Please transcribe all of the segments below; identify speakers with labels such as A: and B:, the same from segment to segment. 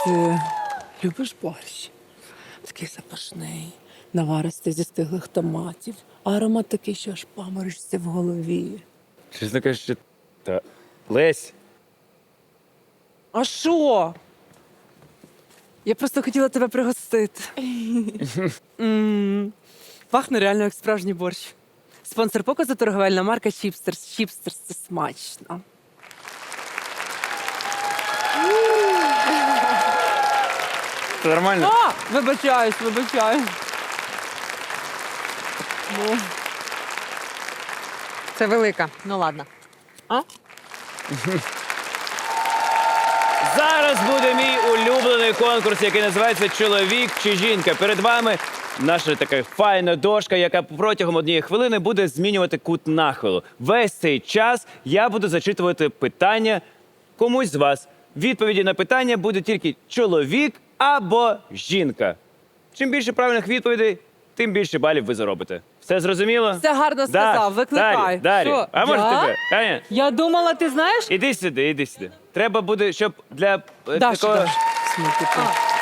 A: Ти любиш борщ? Такий запашний, наваристий зі стиглих томатів. А аромат такий, що аж паморочиться в голові.
B: Чесно кажучи, та... Лесь,
A: А що? Я просто хотіла тебе пригостити. Пахне реально як справжній борщ. Спонсор показу – торговельна марка Чіпстерс. Чіпстерс – це смачно.
B: це нормально?
A: А! Вибачаюсь. Ну.
C: Це велика. Ну ладно.
A: А?
B: Зараз буде мій улюблений конкурс, який називається «Чоловік чи жінка». Перед вами наша така файна дошка, яка протягом 1 хвилини буде змінювати кут нахилу. Весь цей час я буду зачитувати питання комусь з вас. Відповіді на питання буде тільки чоловік або жінка. Чим більше правильних відповідей, тим більше балів ви заробите. Все зрозуміло?
A: Все гарно сказав, викликай.
B: Дарі.
A: Що,
B: А може
A: я?
B: тебе? Аня?
C: Я думала, ти знаєш?
B: Іди сюди. Треба буде, щоб для
A: Даша,
B: такого...
A: Даша. Сміття.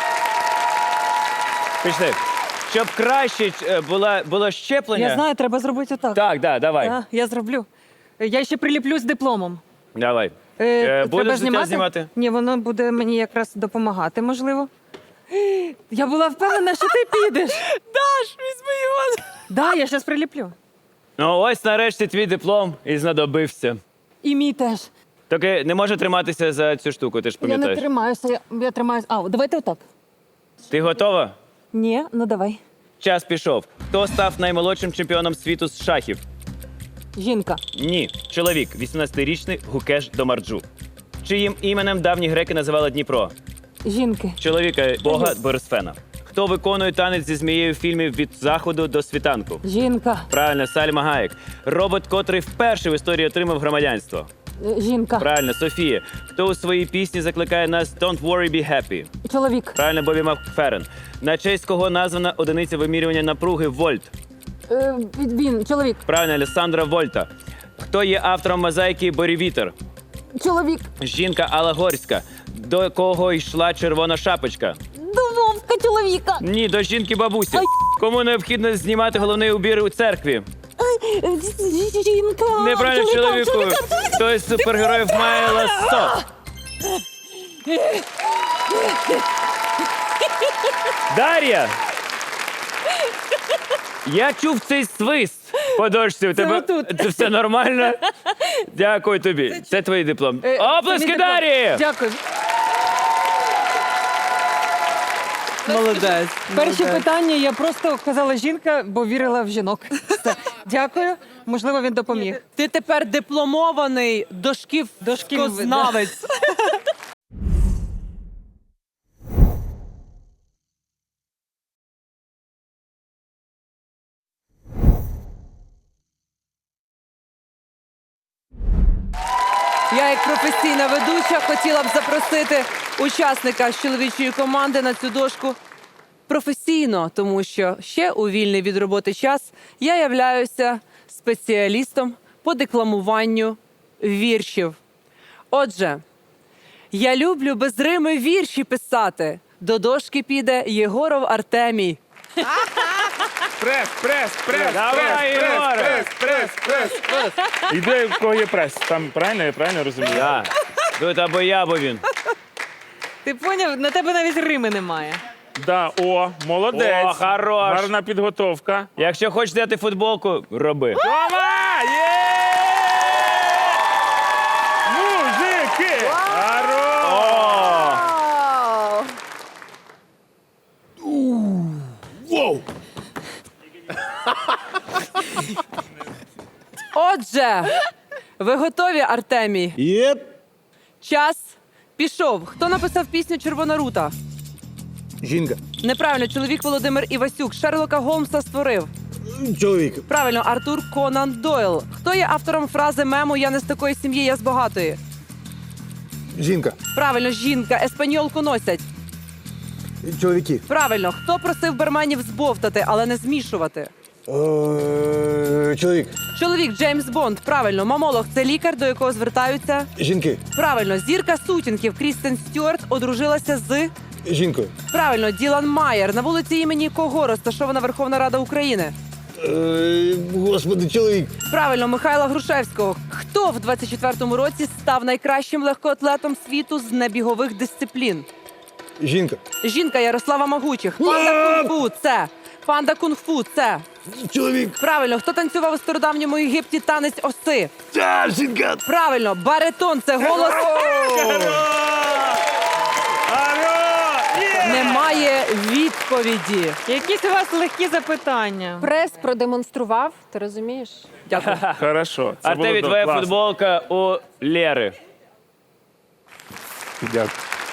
B: Пішли. Щоб краще було щеплення.
C: Я знаю, треба зробити отак.
B: Так, давай.
C: А, я зроблю. Я ще приліплю з дипломом.
B: Давай.
C: Треба
B: Будеш знімати?
C: Ні, воно буде мені якраз допомагати, можливо. Я була впевнена, що ти підеш.
A: Даш, візьми його.
C: Да, я зараз приліплю.
B: Ну ось нарешті твій диплом і знадобився.
C: І мій теж.
B: Тільки не може триматися за цю штуку, ти ж
C: Я не
B: пам'ятаєш.
C: тримаюся, я тримаюся. А, давайте отак.
B: Ти готова?
C: Ні, ну давай.
B: Час пішов. Хто став наймолодшим чемпіоном світу з шахів?
C: Жінка.
B: Ні. Чоловік, 18-річний Гукеш Домарджу. Чиїм іменем давні греки називали Дніпро?
C: Жінки.
B: Чоловіка бога Борисфена. Хто виконує танець зі змією в фільмі «Від заходу до світанку»?
C: Жінка.
B: Правильно, Сальма Гаєк. Робот, котрий вперше в історії отримав громадянство.
C: Жінка.
B: Правильно, Софія. Хто у своїй пісні закликає нас «Don't worry, be happy»?
C: Чоловік.
B: Правильно, Бобі Макферрен. На честь кого названа одиниця вимірювання напруги вольт?
C: Він. Чоловік.
B: Правильно, Алессандро Вольта. Хто є автором мозаїки «Борі-вітер»?
C: Чоловік.
B: Жінка Алла Горська. До кого йшла червона шапочка?
C: До Вовка чоловіка.
B: Ні, до жінки бабусі. Кому необхідно знімати головний убір у церкві?
C: Жінка.
B: Неправильно, чоловіку. Хто із супергероїв має ласо? Дар'я! Я чув цей свист по дошці. У тебе
A: отут.
B: це все нормально? Дякую тобі. Це твій диплом.
C: Це
B: Оплески
C: мій диплом.
B: Дар'ї!
C: Дякую.
A: Молодець.
C: Перші питання я просто казала жінка, бо вірила в жінок. Все. Дякую. Можливо, він допоміг.
A: Ти тепер дипломований дошківзнавець. Я, як професійна ведуча, хотіла б запросити учасника з чоловічої команди на цю дошку професійно, тому що ще у вільний від роботи час я являюся спеціалістом по декламуванню віршів. Отже, я люблю без рими вірші писати. До дошки піде Єгоров Артемій.
D: Прес.
B: Давай, Єгоре!
D: Іде, в кого є прес. Там правильно, я правильно розумію?
B: Да. Тут або я, або він.
C: Ти поняв? На тебе навіть рими немає.
D: Да, молодець.
B: О, хорош.
D: Гарна підготовка.
B: Якщо хочеш взяти футболку, роби.
D: Давай! Є! Мужики! Хорош!
B: О!
A: Отже, ви готові, Артемій?
E: Єп.
A: Час пішов. Хто написав пісню «Червона рута»?
E: Жінка.
A: Неправильно, чоловік Володимир Івасюк. Шерлока Голмса створив.
E: Чоловік.
A: Правильно, Артур Конан Дойл. Хто є автором фрази мему «Я не з такої сім'ї, я з багатої»?
E: Жінка.
A: Правильно, жінка. Еспаньолку носять.
E: Чоловіки.
A: Правильно, хто просив барменів збовтати, але не змішувати?
E: Чоловік.
A: Чоловік Джеймс Бонд. Правильно, мамолог – це лікар, до якого звертаються.
E: Жінки.
A: Правильно, зірка сутінків Крістен Стюарт одружилася з
E: Жінкою.
A: Правильно, Ділан Майер. На вулиці імені кого розташована Верховна Рада України?
E: Господи, чоловік.
A: Правильно, Михайла Грушевського. Хто в 24-му році став найкращим легкоатлетом світу з небігових дисциплін?
E: Жінка.
A: Жінка Ярослава Магучих. Панда кунг-фу – це. Панда кунг-фу – це.
E: Чоловік.
A: Правильно, хто танцював у стародавньому Єгипті танець оси?
E: Жінка.
A: Правильно, баритон – це голос. Немає відповіді.
C: Якісь у вас легкі запитання.
F: Прес продемонстрував, ти розумієш?
A: Дякую.
D: Хорошо. Це було
B: Артемій, твоя
D: класно.
B: футболка у Лєри.
E: Дякую.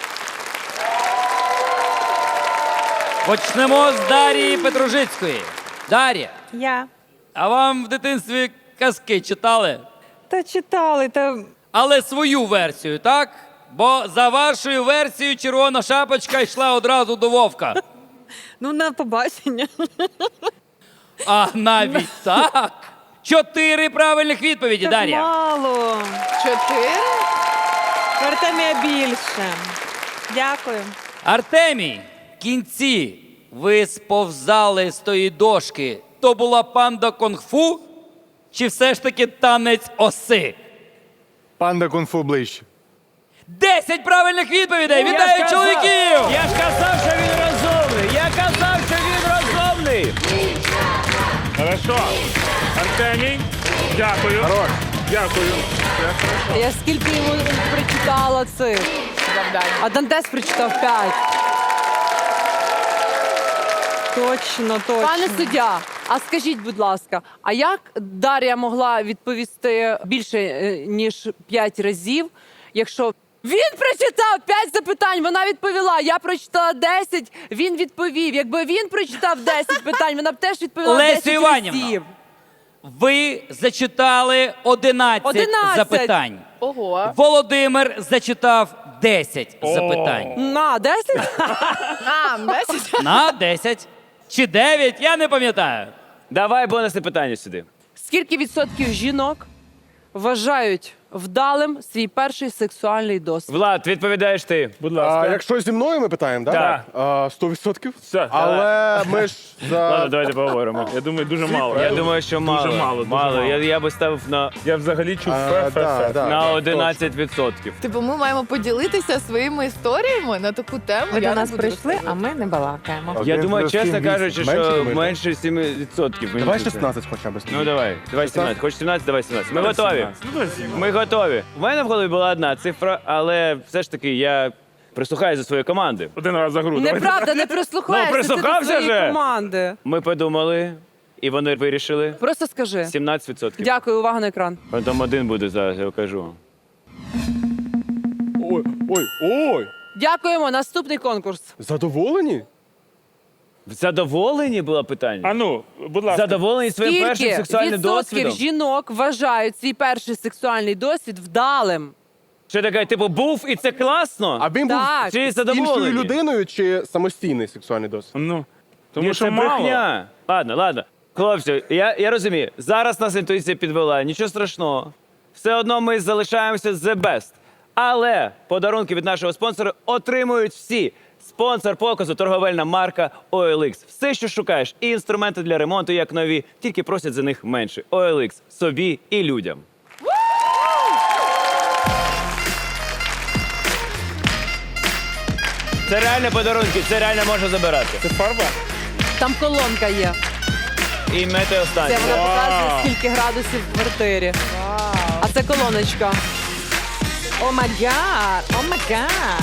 G: Почнемо з Дар'ї Петружицької. Дар'я,
C: Я.
G: а вам в дитинстві казки читали?
C: Та читали, та
G: Але свою версію, так? Бо за вашою версією червона шапочка йшла одразу до Вовка.
C: ну на побачення.
G: А навіть так? 4 правильних відповіді,
C: Так
G: Дар'я.
C: мало.
F: 4?
C: В Артемія більше. Дякую.
G: Артемій, в кінці ви сповзали з тої дошки. То була панда кунг-фу чи все ж таки танець оси?
E: Панда кунг-фу ближче.
G: 10 правильних відповідей! Вітаю чоловіків!
B: Я ж казав, що він розумний! Я казав, що він розумний!
D: Хорошо. Артемій, дякую. Хорош. Дякую.
A: Я скільки йому прочитала цих. А Дантес прочитав 5.
C: Точно, точно.
A: Пане суддя, а скажіть, будь ласка, а як Дар'я могла відповісти більше, ніж 5 разів, якщо він прочитав 5 запитань, вона відповіла, я прочитала 10, він відповів. Якби він прочитав 10 питань, вона б теж відповіла
G: Лесю
A: 10
G: Іванівно.
A: разів.
G: Ви зачитали 11
A: 11.
G: запитань.
F: Ого.
G: Володимир зачитав 10 запитань.
A: На, 10?
F: А, 10?
G: На 10 чи 9, я не пам'ятаю.
B: Давай бонусне питання сюди.
A: Скільки відсотків жінок вважають вдалим свій перший сексуальний досвід?
B: Влад, відповідаєш ти.
D: Будь ласка.
H: Якщо зі мною ми питаємо, так?
B: Так.
H: 100%.
D: Все,
H: Але ми ж
B: Ладно,
H: за...
B: давайте поговоримо.
D: Я думаю, дуже мало.
B: Я думаю, що мало.
D: Дуже мало, дуже мало.
B: Я би ставив
D: Я взагалі чув фе.
B: на 11%.
F: Типу, ми маємо поділитися своїми історіями на таку тему.
C: Ви
F: Я
C: до
F: не
C: нас
F: буду
C: прийшли,
F: розказувати.
C: а ми не балакаємо.
B: Я думаю,
H: плюс
B: чесно
H: 7,
B: кажучи,
H: менше
B: що
H: ми?
B: менше 7%. мені
H: Давай
B: здається.
H: 16 хоча б.
B: Ну давай 17. Хоч 17, давай 17. Ми готові.
D: Ну, давай 17.
B: Ми готові. У мене в голові була одна цифра, але все ж таки я прислухаюся до своєї команди.
D: Один раз за гру. давай.
A: Неправда, не прислухаєшся
B: Ну, прислухався
A: ти до своєї
B: же.
A: команди.
B: Ми подумали, і вони вирішили
A: Просто скажи.
B: 17%.
A: Дякую, увага на екран.
B: Потім один буде зараз, я кажу.
H: Ой.
A: Дякуємо. Наступний конкурс.
H: Задоволені?
B: Задоволені було питання?
D: А ну, будь ласка.
B: Задоволені своїм першим
A: Скільки
B: сексуальним
A: відсотків
B: досвідом?
A: жінок вважають свій перший сексуальний досвід вдалим?
B: Що таке, типу, був і це класно?
H: А він був
A: Так.
B: Чи
H: іншою
B: задоволені?
H: людиною чи самостійний сексуальний досвід?
D: Ну, тому
B: Ні,
D: що
B: це
D: мало.
B: брехня. Ладно. Хлопці, я розумію. Зараз нас інтуїція підвела. Нічого страшного. Все одно ми залишаємося the best. Але подарунки від нашого спонсора отримують всі. Спонсор показу – торговельна марка OLX. Все, що шукаєш, і інструменти для ремонту, як нові, тільки просять за них менше. OLX – собі і людям. Це реально подарунки, це реально можна забирати.
D: Це фарба?
A: Там колонка є.
B: І метеостанція.
A: Це вона показує, скільки градусів в квартирі. А це колоночка.
C: О май гад! О май гад!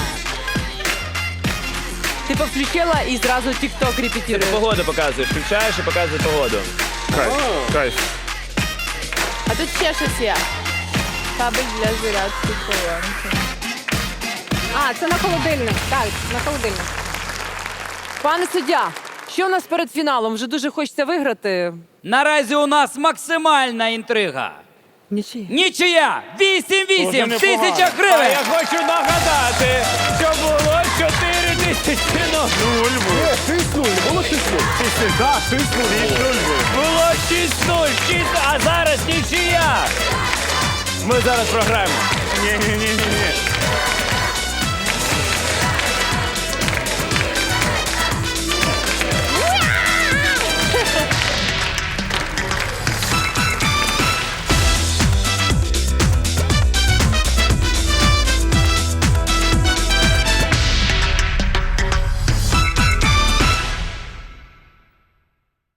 A: Ти включила і зразу TikTok репетируєш.
B: Погоду показуєш, включаєш і показує погоду.
D: Кайф.
F: А тут ще щось є. Кабель для зарядки колонки.
C: А, це на холодильник. Так, на холодильник.
A: Пане суддя, що у нас перед фіналом? Вже дуже хочеться виграти.
G: Наразі у нас максимальна інтрига.
A: Нічия.
G: Нічия! 8-8!
D: Дуже
G: 1000
B: А я
G: гривень!
B: хочу нагадати, що було 4000 ног.
H: Ні, 6-0, не було 6-0.
D: Так, 6-0.
B: Було 6-0, а зараз нічия. Ми зараз програємо.
D: Ні.